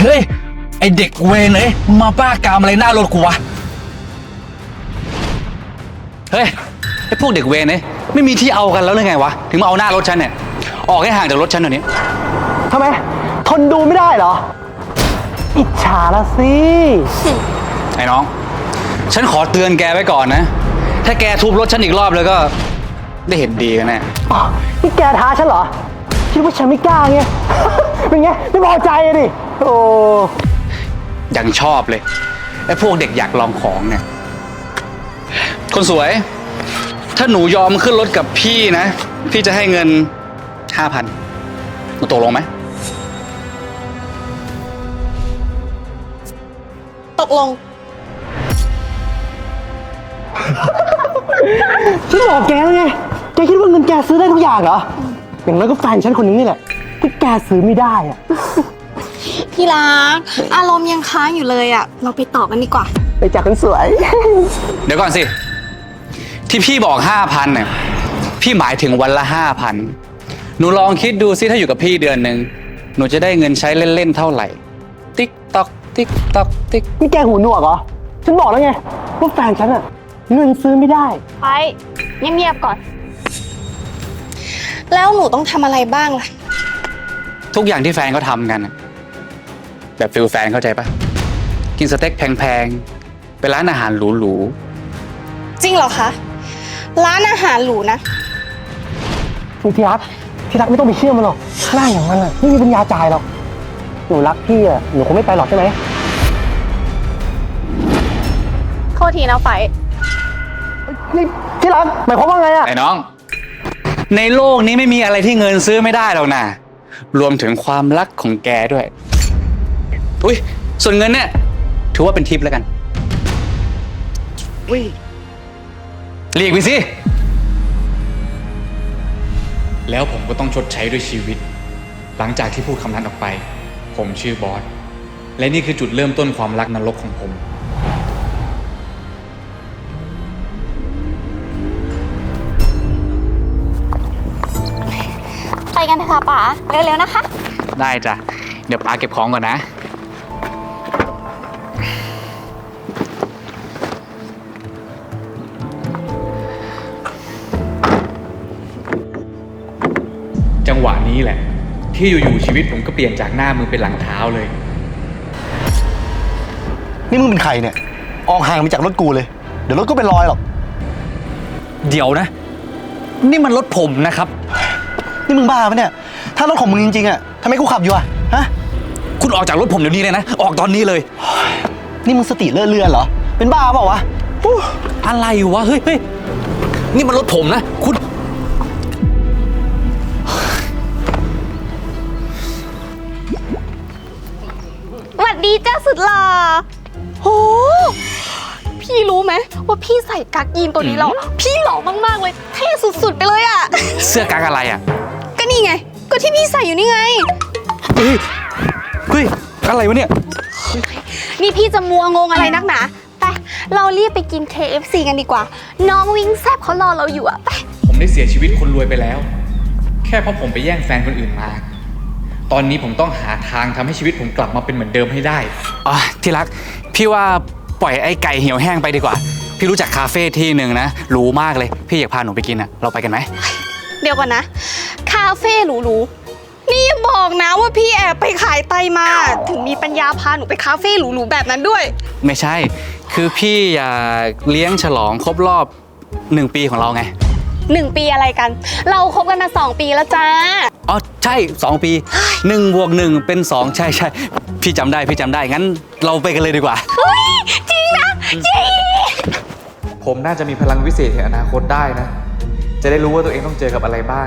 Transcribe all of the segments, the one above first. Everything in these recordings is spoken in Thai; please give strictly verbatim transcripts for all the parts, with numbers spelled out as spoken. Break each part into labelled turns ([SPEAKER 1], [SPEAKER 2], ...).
[SPEAKER 1] เฮ้ยไอเด็กเวรเอ้ยมาบ้ากามอะไรหน้ารถกูวะเฮ้ยไอพวกเด็กเวรเอ้ยไม่มีที่เอากันแล้วหรือไงวะถึงมาเอาหน้ารถฉันเนี่ยออกให้ห่างจากรถฉันหน่อยนี้
[SPEAKER 2] ทำไมทนดูไม่ได้เหรออิจฉาละสิ
[SPEAKER 1] ไอ้น้องฉันขอเตือนแกไว้ก่อนนะถ้าแกทุบรถฉันอีกรอบแล้วก็ได้เห็นดีกันแน่
[SPEAKER 2] อ๋อนี่แกท้าฉันเหรอคิดว่าฉันไม่กล้าไง เป็นไงไม่พอใจดิโอ้
[SPEAKER 1] ยังชอบเลยไอ้พวกเด็กอยากลองของเนี่ยคนสวยถ้าหนูยอมขึ้นรถกับพี่นะพี่จะให้เงินห้าพันหนูตกลงไหม
[SPEAKER 3] ตกลง
[SPEAKER 2] ฉันบอกแกแล้วไงแกคิดว่าเงินแกซื้อได้ทุกอย่างเหรออย่างนั้นก็แฟนฉันคนนึงนี่แหละที่แกซื้อไม่ได้อะ
[SPEAKER 3] พี่รักอารมณ์ยังค้างอยู่เลยอะเราไปต่อกันดีกว่า
[SPEAKER 2] ไปจากคนสวย
[SPEAKER 1] เดี๋ยวก่อนสิที่พี่บอกห้าพันเนี่ยพี่หมายถึงวันละห้าพันหนูลองคิดดูสิถ้าอยู่กับพี่เดือนหนึ่งหนูจะได้เงินใช้เล่นๆเท่าไหร่ติ๊กตอกติ๊กตอกติ๊ก
[SPEAKER 2] นี่แกหูหนวกเหรอฉันบอกแล้วไงว่าแฟนฉันอะเงินซื้อไม่ได้
[SPEAKER 3] ไปเงียบๆก่อนแล้วหนูต้องทำอะไรบ้างล่ะ
[SPEAKER 1] ทุกอย่างที่แฟนเขาทำกันแบบฟิลแฟนเข้าใจปะกินสเต็กแพงๆไปร้านอาหารหรู
[SPEAKER 3] ๆจริงเหรอคะร้านอาหารหรูนะ
[SPEAKER 2] พี่รักพี่รักไม่ต้องไปเชื่อมันหรอกหน้าอย่างมันอะไม่มีปัญญาจ่ายหรอกหนูรักพี่อะหนูคงไม่ไปหรอกใช่ไหม
[SPEAKER 3] โทษทีนะไฟ
[SPEAKER 2] นี่พี่รักหมายความว่าไงอะ
[SPEAKER 1] ไอ้น้องในโลกนี้ไม่มีอะไรที่เงินซื้อไม่ได้หรอกนะรวมถึงความรักของแกด้วยอุ้ยส่วนเงินเนี่ยถือว่าเป็นทิปแล้วกันอุ้ยเรียกไปสิแล้วผมก็ต้องชดใช้ด้วยชีวิตหลังจากที่พูดคำนั้นออกไปผมชื่อบอสและนี่คือจุดเริ่มต้นความรักนรกของผม
[SPEAKER 3] ไปกันเถอะค่ะป๋าเร็วๆนะคะ
[SPEAKER 1] ได้จ้ะเดี๋ยวป๋าเก็บของก่อนนะจังหวะนี้แหละที่อยู่ๆชีวิตผมก็เปลี่ยนจากหน้ามือเป็นหลังเท้าเลย
[SPEAKER 2] นี่มึงเป็นใครเนี่ยออกห่างไปจากรถกูเลยเดี๋ยวรถก็เป็นรอยหรอก
[SPEAKER 1] เดี๋ยวนะนี่มันรถผมนะครับ
[SPEAKER 2] นี่มึงบ้าปะเนี่ยถ้ารถของมึงจริงๆอะทำไมกูขับอยู่อะฮะ
[SPEAKER 1] คุณออกจากรถผมเดี๋ยวนี้เลยนะออกตอนนี้เลย
[SPEAKER 2] นี่มึงสติเลื่อนเลื่อนเหรอเป็นบ้าเปล่าวะ
[SPEAKER 1] อะไรวะเฮ้ยเฮ้ยนี่มันรถผมนะคุณ
[SPEAKER 3] สวัสดีเจ้าสุดหล่อโหพี่รู้ไหมว่าพี่ใส่กั๊กยีนตัวนี้แล้วพี่หล่อมากๆเลยเท่สุดๆไปเลยอะ
[SPEAKER 1] เสื้อกั๊กอะไรอะ
[SPEAKER 3] ก็นี่ไงก็ที่พี่ใส่อยู่นี่ไง
[SPEAKER 1] เฮ้ยเฮ้ยอะไรวะเนี่ย
[SPEAKER 3] นี่พี่จะมัวงงอะไรนักหนาไปเรารีบไปกิน เค เอฟ ซี กันดีกว่าน้องวิงแซบเขารอเราอยู่อะไป
[SPEAKER 1] ผมได้เสียชีวิตคนรวยไปแล้วแค่เพราะผมไปแย่งแฟนคนอื่นมาตอนนี้ผมต้องหาทางทำให้ชีวิตผมกลับมาเป็นเหมือนเดิมให้ได้อ๋อที่รักพี่ว่าปล่อยไอ้ไก่เหี่ยวแห้งไปดีกว่าพี่รู้จักคาเฟ่ที่หนึ่งนะหรูมากเลยพี่อยากพาหนูไปกินอะเราไปกันไหม
[SPEAKER 3] เดี๋ยวก่อนนะคาเฟ่หรูๆนี่บอกนะว่าพี่แอบไปขายไตมาถึงมีปัญญาพาหนูไปคาเฟ่หรูๆแบบนั้นด้วย
[SPEAKER 1] ไม่ใช่คือพี่อยากเลี้ยงฉลองครบรอบหนึ่งปีของเราไง
[SPEAKER 3] หนึ่งปีอะไรกันเราคบกันมาสองปีแล้วจ้า
[SPEAKER 1] อ๋อใช่สองปีหนึ่งบวกหนึ่งเป็นสองใช่ใช่พี่จำได้พี่จำได้งั้นเราไปกันเลยดีกว่า
[SPEAKER 3] เฮ้ยจริงนะจริง
[SPEAKER 1] ผมน่าจะมีพลังวิเศษในอนาคตได้นะจะได้รู้ว่าตัวเองต้องเจอกับอะไรบ้าง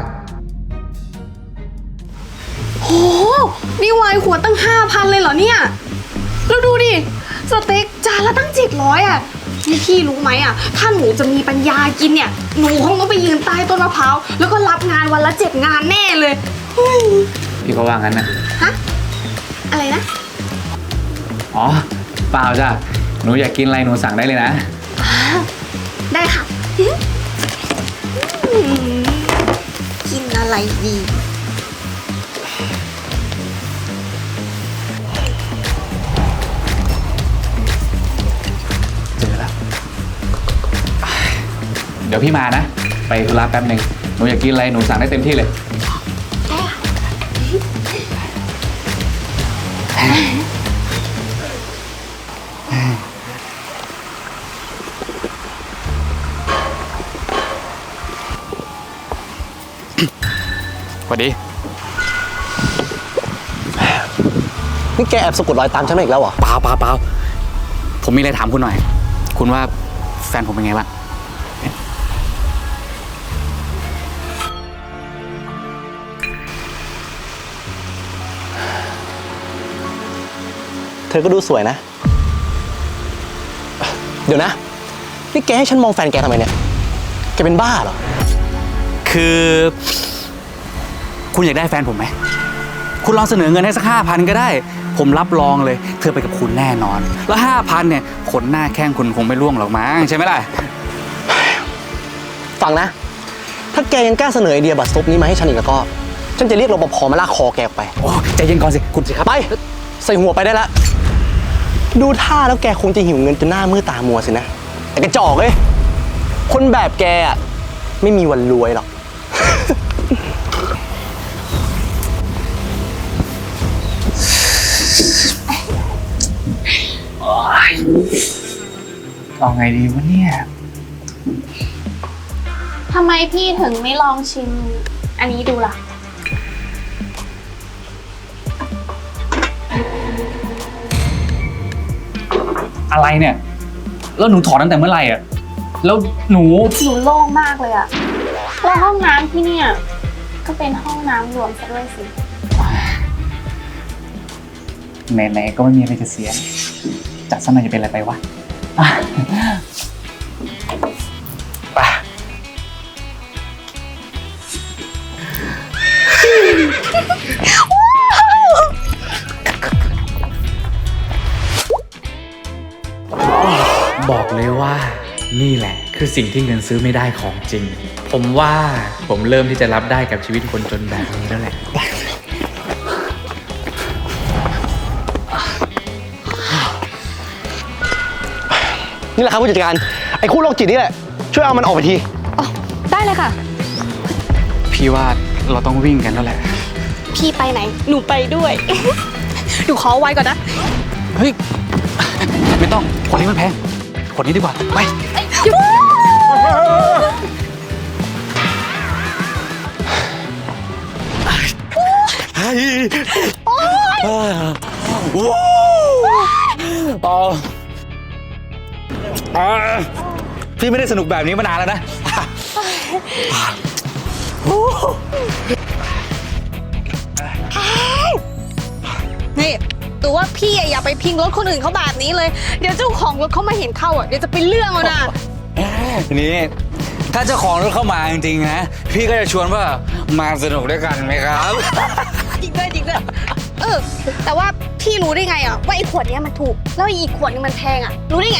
[SPEAKER 3] โหนี่วายหัวตั้งห้าพันเลยเหรอเนี่ยแล้วดูดิสเต็กจานละตั้งเจ็ดร้อยอ่ะนี่พี่รู้ไหมอ่ะถ้าหนูจะมีปัญญากินเนี่ยหนูคงต้องไปยืนใต้ต้นมะพร้าวแล้วก็รับงานวันละเจ็ดงานแน่เลย
[SPEAKER 1] พี่ก็ว่างั้นนะ
[SPEAKER 3] ฮะอะไรนะ
[SPEAKER 1] อ๋อเปล่าจ้ะหนูอยากกินอะไรหนูสั่งได้เลยนะ
[SPEAKER 3] ได้ค่ะกินอะไรดี
[SPEAKER 1] ดี๋ยวพี่มานะ ไปธุระแป๊บหนึ่งหนูอยากกินอะไรหนูสั่งได้เต็มที่เลย สวัสดี
[SPEAKER 2] นี่แกแอบสะกดรอยตามฉันมาอีกแล้วเหรอ
[SPEAKER 1] เปล่าเปล่าเปล่าผมมีอะไรถามคุณหน่อย คุณว่าแฟนผมเป็นไงบ้าง
[SPEAKER 2] เธอก็ดูสวยนะ เดี๋ยวนะ นี่แกให้ฉันมองแฟนแกทำไมเนี่ย แกเป็นบ้าเหรอ
[SPEAKER 1] คือ คุณอยากได้แฟนผมไหม คุณลองเสนอเงินให้สักห้าพันก็ได้ ผมรับรองเลย เธอไปกับคุณแน่นอน แล้วห้าพันเนี่ยขนหน้าแข้งคุณคงไม่ร่วงหรอกมั้งใช่ไหมล่ะ
[SPEAKER 2] ฟังนะ ถ้าแกยังกล้าเสนอไอเดียบัตรซบนี้มาให้ฉันอีกแล้วก็ ฉันจะเรียกรปภมาลากคอแกออกไป
[SPEAKER 1] โอ้ใจเย็นก่อนสิ คุณสิครับ
[SPEAKER 2] ไป ใส่หัวไปได้ละ ดูท่าแล้วแกคงจะหิวเงินจนหน้ามืดตามัวสินะ แต่กระจอกเอ้ย คนแบบแกอ่ะ ไม่มีวันรวยหรอก
[SPEAKER 1] เอาไงดีวะเนี่ย
[SPEAKER 3] ทำไมพี่ถึงไม่ลองชิม อันนี้ดูล่ะ
[SPEAKER 1] อะไรเนี่ย แล้วหนูถอนตั้งแต่เมื่อไหร่อ่ะ แล้วหนู
[SPEAKER 3] หนูโล่งมากเลยอะแล้วห้องน้ำที่เนี่ย ก็เป็นห้องน้ำรวมซะด้วยสิ
[SPEAKER 1] ไหนๆก็ไม่มีอะไรจะเสีย จัดซะหน่อยจะเป็นอะไรไปวะอ่ะไป บอกเลยว่านี่แหละคือสิ่งที่เงินซื้อไม่ได้ของจริง ผมว่าผมเริ่มที่จะรับได้กับชีวิตคนจนแบบนี้แล้วแหละ
[SPEAKER 2] นี่แหละครับผู้จัดการ ไอ้คู่โรคจิตนี่แหละ ช่วยเอามันออกไปที
[SPEAKER 3] ได้เลยค่ะ
[SPEAKER 1] พี่ว่าเราต้องวิ่งกันแล้วแหละ
[SPEAKER 3] พี่ไปไหน หนูไปด้วย หนูขอไว้ก่อนนะ
[SPEAKER 1] เฮ้ย ไม่ต้องขวดนี้มันแพงขวดนี้ดีกว่า ไป ต่อพี่ไม่ได้สนุกแบบนี้มานานแล้วนะ
[SPEAKER 3] นี่ตัวว่าพี่อะอย่าไปพิงรถคนอื่นเขาแบบนี้เลย เดี๋ยวเจ้าของรถเขามาเห็นเข้าอ่ะ เดี๋ยวจะเป็นเรื่องเอานะ
[SPEAKER 1] นี่ ถ้าเจ้าของรถเข้ามาจริงๆนะ พี่ก็จะชวนว่ามาสนุกด้วยกันไหมครับ
[SPEAKER 3] จริงด้วยจริงด้วยเออ แต่ว่าพี่รู้ได้ไงอ่ะว่าไอ้ขวดเนี้ยมันถูก แล้วอีกขวดนึงมันแพงอ่ะ รู้ได้ไง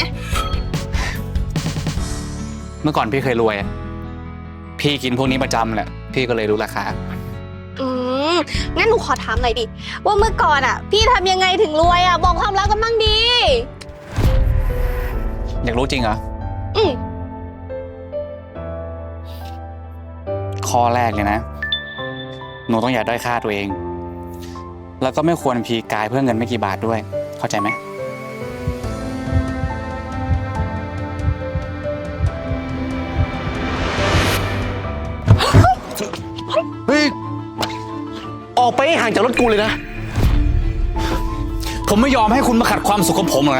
[SPEAKER 1] เมื่อก่อนพี่เคยรวยอะพี่กินพวกนี้ประจำแหละ พี่ก็เลยรู้ราคา
[SPEAKER 3] อืมงั้นหนูขอถามหน่อยดิ ว่าเมื่อก่อนอ่ะ พี่ทำยังไงถึงรวยอ่ะ บอกความลับกันบ้างดี
[SPEAKER 1] อยากรู้จริงเหรอ
[SPEAKER 3] อืม
[SPEAKER 1] ข้อแรกเลยนะ หนูต้องอย่าด้อยค่าตัวเอง แล้วก็ไม่ควรพีกายเพื่อเงินไม่กี่บาทด้วย เข้าใจไหม
[SPEAKER 2] เฮ้ย ออกไปให้ห่างจากรถกูเลยนะ
[SPEAKER 1] ผมไม่ยอมให้คุณมาขัดความสุขของผมหรอกนะ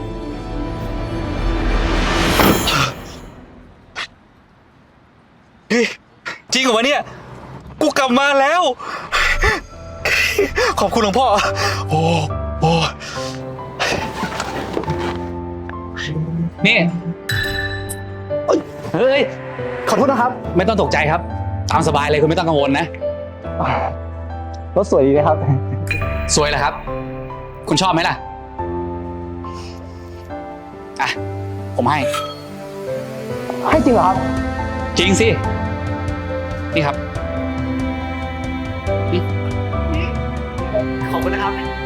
[SPEAKER 1] เฮ้ย จริงเหรอวะเนี่ย กูกลับมาแล้ว ขอบคุณหลวงพ่อ โอ้โอ้นี่ เฮ้ย
[SPEAKER 2] ขอโทษนะครับ
[SPEAKER 1] ไม่ต้องตกใจครับ ตามสบายเลยคุณไม่ต้องกังวลนะ
[SPEAKER 2] รถสวยดีนะครับ
[SPEAKER 1] สวยเหรอครับ คุณชอบไหมล่ะ อ่ะ ผมให้
[SPEAKER 2] ให้จริงเหรอครับ
[SPEAKER 1] จริงสิ นี่ครับ
[SPEAKER 2] ขอบคุณนะครับ